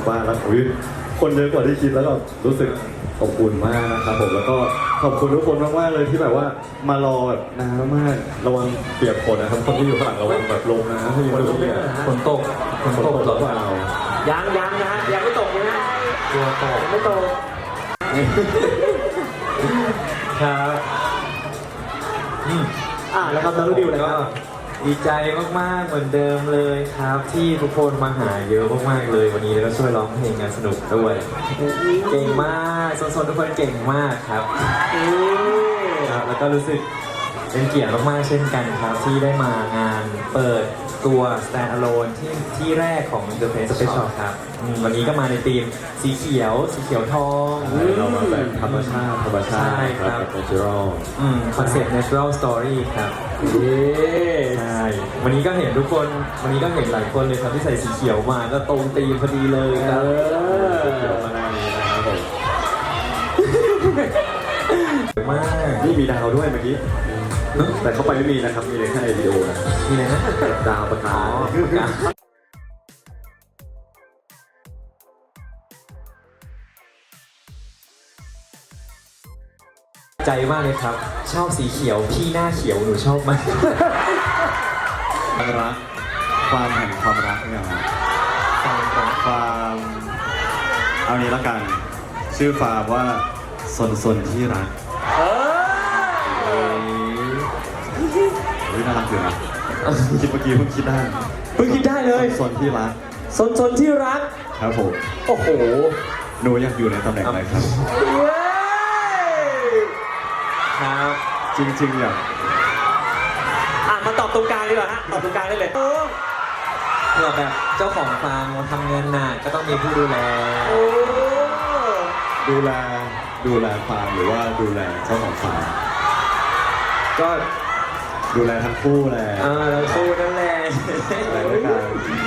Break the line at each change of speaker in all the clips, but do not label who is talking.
างบ้านแล้วอุ๊ยคนเยอะกว่าที่คิดแล้วก็รู้สึกอบอุ่นมากนะครับผมแล้วก็ขอบคุณทุกคนมากๆเลยที่แบบว่ามารอแบบนานมากระวังเปียกฝนนะครับคนที่อยู่ข้างหลังระวังแบบลงนะที่อยู่ตรงนี้
ฝนตก
หรือเปล่า
ยังนะฮะยังไม่ตกเลยนะ
กลัวตก
ไม่ตก
ครับ
แล้วครับน้องลูกดิวเลย
ก็
ครับ
ดีใจมากๆเหมือนเดิมเลยครับ ที่ทุกคนมาหาเยอะมากๆเลยวันนี้แล้วก็ช่วยร้องเพลงกันสนุกด้วยเก่งมากโซนๆทุกคนเก่งมากครับครับแล้วก็รู้สึกเป็นเกียรติมากๆเช่นกันครับที่ได้มางานเปิดตัว Stand Alone ที่แรกของ The Face Special ครับวันนี้ก็มาในธีมสีเขียวทอง
เรามาแบบธรรมชาติ
ใช่ครับ
แบบ natural
คอนเซ็ปต์ natural story ครับใช่วันนี้ก็เห็นทุกคนวันนี้ก็เห็นหลายคนเลยครับที่ใส่สีเขียวมาก็ตรงธีมพอดีเลยครับ
เดี๋ยวมาหน้านี้นะครับผม
มาก
นี่มีดาวด้วยเมื่อกี้แต่เขาไปไม่มีนะครับมีแค่วิดีโอนะ
นี่เลยนะ
ดาวประกาศ
ใจมากเลยครับ ชอบสีเขียวพี่หน้าเขียวหนูชอบมาก
รักความแห่งความรักเนี่ยครับความเอานี้ละกันชื่อฟาร์มว่าสนที่รักเฮ้ยน่ารักอยู่นะคิดเมื่อกี้เพิ่งคิดได้
เพิ่งคิดได้เลย
สนที่รัก
สนที่รัก
ครับผม
โอ้โห
หนูอยากอยู่ในตำแหน่งอะไรครับ
ครับ
จริงๆอยาก
มาตอบตรงกลางดีกว่าฮะตอบตรงกลางได้เลย
เผื่อแบบเจ้าของฟาร์มทำงานหนักก็ต้องมีผู้ดูแล
ดูแลฟาร์มหรือว่าดูแลเจ้าของฟาร์ม
ก็
ดูแลทั้งคู่แหละ
เราคู่นั่นแหละ
อะไรด้วยกัน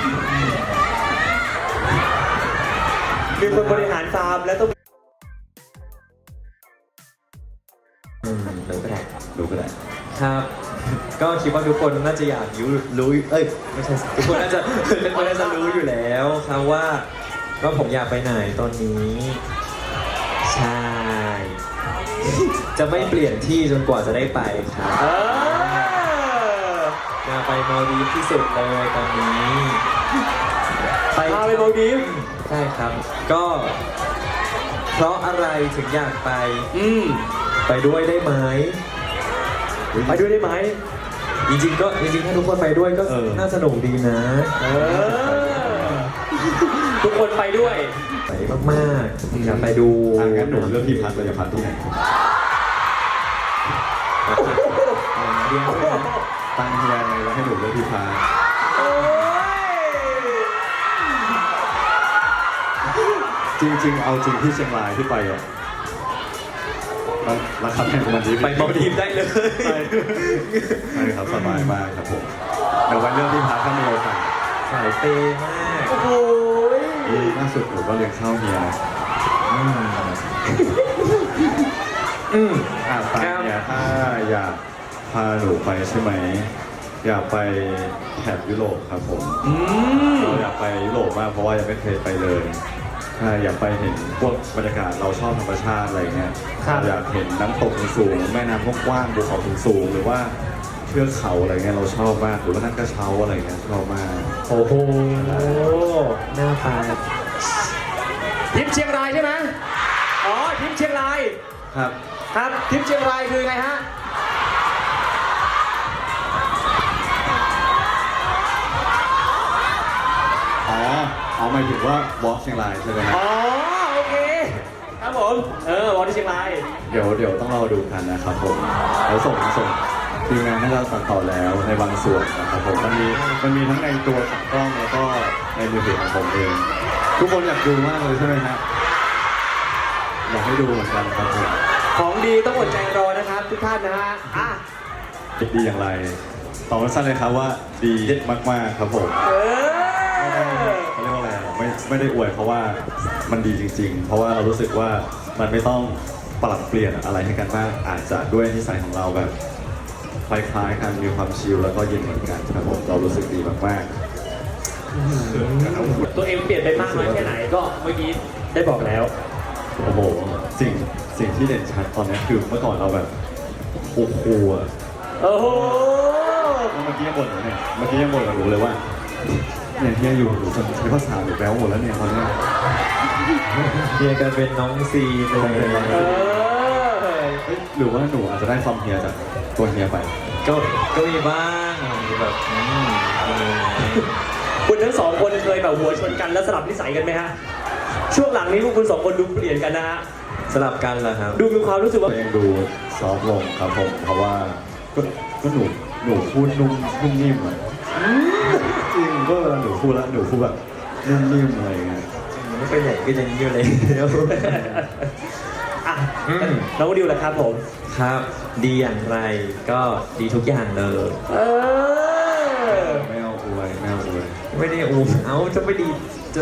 มีคนบริหารฟาร์มแล้วต้อง
ดูก็ได้
ดูก็ได้
ครับ ก็คิดว่าทุกคนน่าจะอยากรู้ไม่ใช่ทุกคนน่าจะเป็นคนน่าจะรู้อยู่แล้วครับว่าผมอยากไปไหนตอนนี้ ใช่ จะไม่เปลี่ยนที่จนกว่าจะได้ไปครับอยากไปมาลดีฟที่สุดเลยตอนนี้
พาไปมาลดีฟ
ใช่ครับ ก็เพราะอะไรถึงอยากไปไปด้วยได้ไหม
ไปด้วยได้ไหม
จริงๆถ้าทุกคนไปด้วยก็น่าสนุกดีนะ
ทุกคนไปด้วย
ไปมากๆอยากไปดู
งั้นหนูเลือกที่พักเลยจะพักที่ไหน
เดียวเลยนะ
ตั้งที่แรกเลยแล้วให้หนูเลือกที่พักจริงๆเอาจริงที่เชียงรายที่ไปอ่ะราคาแพงกว่ามันดี
ไปมาลดีฟได้เลย
ใช่ครับสบายมากครับผมเดี๋ยววันเรื่องที่พักถ้ามีโอกาส
สายเปย์มาก
โอ้โห
ล่าสุดหนูก็เลี้ยงข้าวเฮียนะไปเนี่ยถ้าอยากพาหนูไปใช่ไหมอยากไปแถบยุโรปครับผมเราอยากไปยุโรปมากเพราะว่ายังไม่เคยไปเลยถ้าอยากไปเห็นพวกบรรยากาศเราชอบธรรมชาติอะไรเงี้ยอยากเห็นน้ำตกสูงแม่น้ำกว้างภูเขาสูงหรือว่าเทือกเขาอะไรเงี้ยเราชอบมากหรือว่านั่งกระเช้าอะไรเงี้ยชอบมาก
โอ้โห
น่าไป
ทริปเชียงรายใช่ไหมอ๋อทริปเชียงราย
ครับ
ครับทริปเชียงรายคือไงฮะ
อ๋อหมายถึงว่าวอล์กเชียงรายใช่ไหมครับ
อ๋อโอเคครับผมวันที่เชียงราย
เดี๋ยวต้องรอดูกันนะครับผมแล้วส่งทีมงานให้เราตัดต่อแล้วในบางส่วนนะครับผมมันมีทั้งในตัวของกล้องแล้วก็ในมือถือของผมเองทุกคนอยากดูมากเลยใช่ไหมครับอยากให้ดูเหมือนกันครับผม
ของดีต้องอดใจรอนะครับทุกท่านนะฮะ
ดีอย่างไรตอบสั้นเลยครับว่าดีมากๆครับผมเขาเรียกว่าอะไรไม่ได้อวยเพราะว่ามันดีจริงๆเพราะว่าเรารู้สึกว่ามันไม่ต้องปรับเปลี่ยนอะไรให้กันมากอาจจะด้วยนิสัยของเราแบบคล้ายๆกันมีความชิลแล้วก็เย็นเหมือนกันครับผมเรารู้สึกดีมากๆ
ตัวเองเปลี่ยนไปมากน้อยแค่ไหนก็เมื่อกี้ได้บอกแล้ว
โอ้โหสิ่งที่เด่นชัดตอนนี้คือเมื่อก่อนเราแบบโอ้โหอะ
โอ้โห
เมื่อกี้ยังบ่นอยู่เนี่ยเมื่อกี้ยังบ่นกับหนูเลยว่าเนี่ยเฮียอยู่หนูจนใช้ภาษาหนูแป๊วหมดแล้วเนี่ยตอนเนี้ย
เฮียกันเป็นน้องซีเลย
เออ
เฮ้ยหรือว่าหนูอาจจะได้ความเฮียจากตัวเฮียไป
ก็มีบ้างมีแบบ
คุณทั้งสองคนเคยแบบหัวชนกันแล้วสลับนิสัยกันไหมฮะช่วงหลังนี้พวกคุณสองคนดูเปลี่ยนกันนะฮะ
สลับกันเหรอครับ
ดูมีความรู้สึกว่า
ตัวเองดูซอฟต์ลงครับผมเพราะว่าก็หนูพูดนุ่มนิ่มอะจริงก็เวลาหนูพูดแล้วหนูพูดแบบนุ่มนิ่มอะไรอย่างเงี้ย
ไม่เป็นใหญ่ก็ยังอยู่เลย
อ่ะน้องดิวแหละครับผม
ครับดีอย่างไรก็ดีทุกอย่างเลย
เออ
ไม่เอาอวยไม่เอาอวย
ไม่ได้อูเอาจะไม่ดีจะ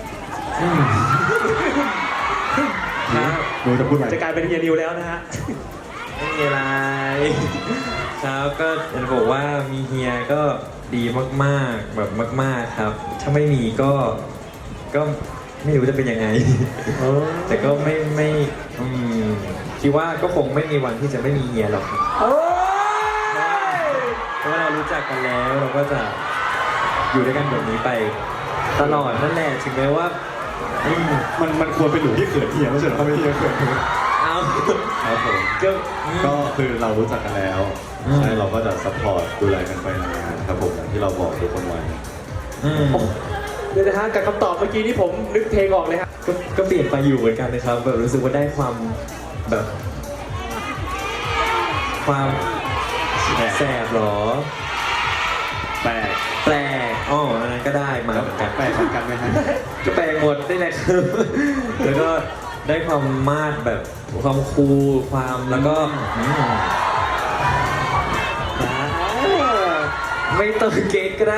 ครับ
หนูจะพูดอะไร
จะกลายเป็นเฮียนิวแล้วนะฮะ
ไม่มีอะไรครับก็จะบอกว่ามีเฮียก็ดีมากๆแบบมากๆครับ ถ้าไม่มีก็ไม่รู้จะเป็นยังไง แต่ก็ไม่คิดว่าก็คงไม่มีวันที่จะไม่มีเฮียหรอกครับ
โอ้ย
เพราะว่าเรารู้จักกันแล้วเราก็จะอยู่ด้วยกันแบบนี้ไปตลอดนั่นแหละถึงแม้ว่า
มันควรเป็นหนูที่เขินเฮียไม่ใช่เหรอถ้าไม่เฮียเขินหนู
เอา
ครับผม ก็คือเรารู้จักกันแล้ว ใช่เราก็จะซัพพอร์ตดูแลกันไปนานๆครับผมอย่างที่เราบอกทุกคนไว้
เดี๋ยวนะฮะกับคำตอบเมื่อกี้นี่ผมนึกเพลงออกเลยฮะ
ก็เปลี่ยนไปอยู่เหมือนกันนะครับแบบรู้สึกว่าได้ความแบบ ความแสบหรอ
แปลก
แปลกอ๋ออันนั้นก็ได้มาเหมือนกัน
แปลกเหมือนกันไหมฮะ
ก็แปลงหมดได้แหละครับ แล้วก็ได้ความมาดแบบความคูลความแล้วก็ไม่ต้องเก๊กก็ได้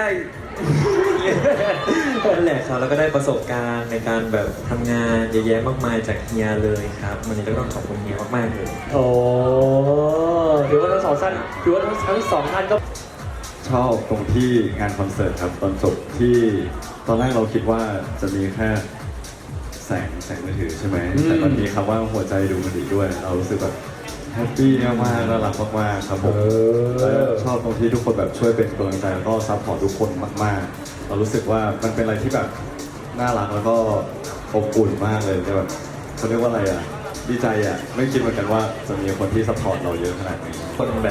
นั่นแหละครับแล้วก็ได้ประสบการณ์ในการแบบทำงานเยอะแยะมากมายจากเฮียเลยครับวันนี้ก็ต้องขอบคุณเฮียมากๆเลย
โอ้ถือว่าทั้งสองท่านถือว่าทั้งสองท่านก็
ชอบตรงที่งานคอนเสิร์ตครับตอนจบที่ตอนแรกเราคิดว่าจะมีแค่แสงมือถือใช่ไหมแต่มันมีคำว่าหัวใจดูมันดีด้วย เรารู้สึกแบบแฮปปี้มากๆน่ารักมากๆครับผมแล้วชอบตรงที่ทุกคนแบบช่วยเป็นกำลังใจแล้วก็ซัพพอร์ตทุกคนมากๆ เรารู้สึกว่ามันเป็นอะไรที่แบบน่ารักแล้วก็อบอุ่นมากเลยแบบเขาเรียกว่าอะไรอ่ะดีใจอ่ะไม่คิดเหมือนกันว่าจะมีคนที่ซัพพอร์ตเราเยอะขนาดนี้
คนแบบ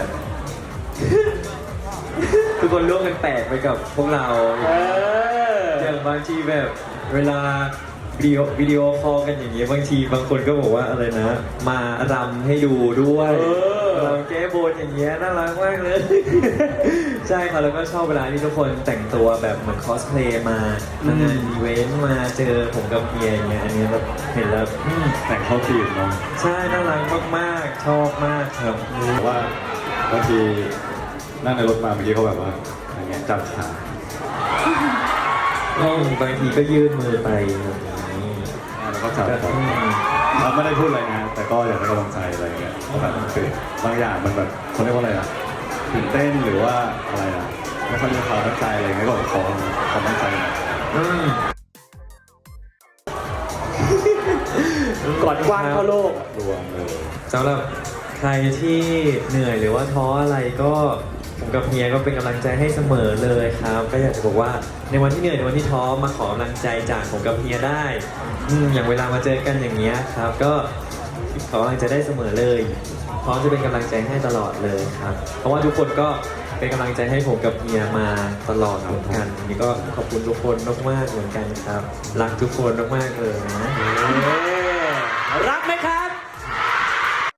ทุกคนร่วมกันแตกไปกับพวกเรา อย่างบางทีแบบเวลาวิดีโอคอลกันอย่างเงี้ยบางทีบางคนก็บอกว่าอะไรนะ มารำให้ดูด้วยรำแก้บนอย่างเงี้ยน่ารักมากเลย ใช่ครับแล้วก็ชอบเวลาที่ทุกคนแต่งตัวแบบเหมือนคอสเพลย์มาทำงานอีเวนต์มาเจอผมกับเฮียอย่างเงี้ยอันนี้แบบเห็นแล้ว
แต่งเข้าทีมเนาะ
ใช่น่ารักมากๆชอบมากครับ
แต่ว่าบางทีนั่งในรถมาเมื่อกี้เขาแบบว่าอย่างเงี้ยจับขา
บางทีก็ยื่นมือไปแบบนี้
แล้วก็จับขาเราไม่ได้พูดอะไรนะแต่ก็อยากได้กำลังใจอะไรเงี้ยเพราะแบบคือบางอย่างมันแบบเขาเรียกว่าอะไรอ่ะตื่นเต้นหรือว่าอะไรอ่ะไม่ค่อยมีความตั้งใจอะไรเงี้ยก็ขอความตั้งใจหน่อย
ก่อนกว้างเข้าโลก
รวมเลย
สำหรับใครที่เหนื่อยหรือว่าท้ออะไรก็ผมกับเฮียก็เป็นกำลังใจให้เสมอเลยครับ ก็อยากจะบอกว่าในวันที่เหนื่อยในวันที่ท้อมาขอกำลังใจจากผมกับเฮียได้อย่างเวลามาเจอกันอย่างเงี้ยครับ ก็ขอกำลังใจได้เสมอเลยพร้อมจะเป็นกำลังใจให้ตลอดเลยครับ เพราะว่าทุกคนก็เป็นกำลังใจให้ผมกับเฮียมาตลอดเหมือนกันวันนี้ก็ขอบคุณทุกคนมากๆเหมือนกันครับรักทุกคนมากๆเลยนะ
รักไหมครับ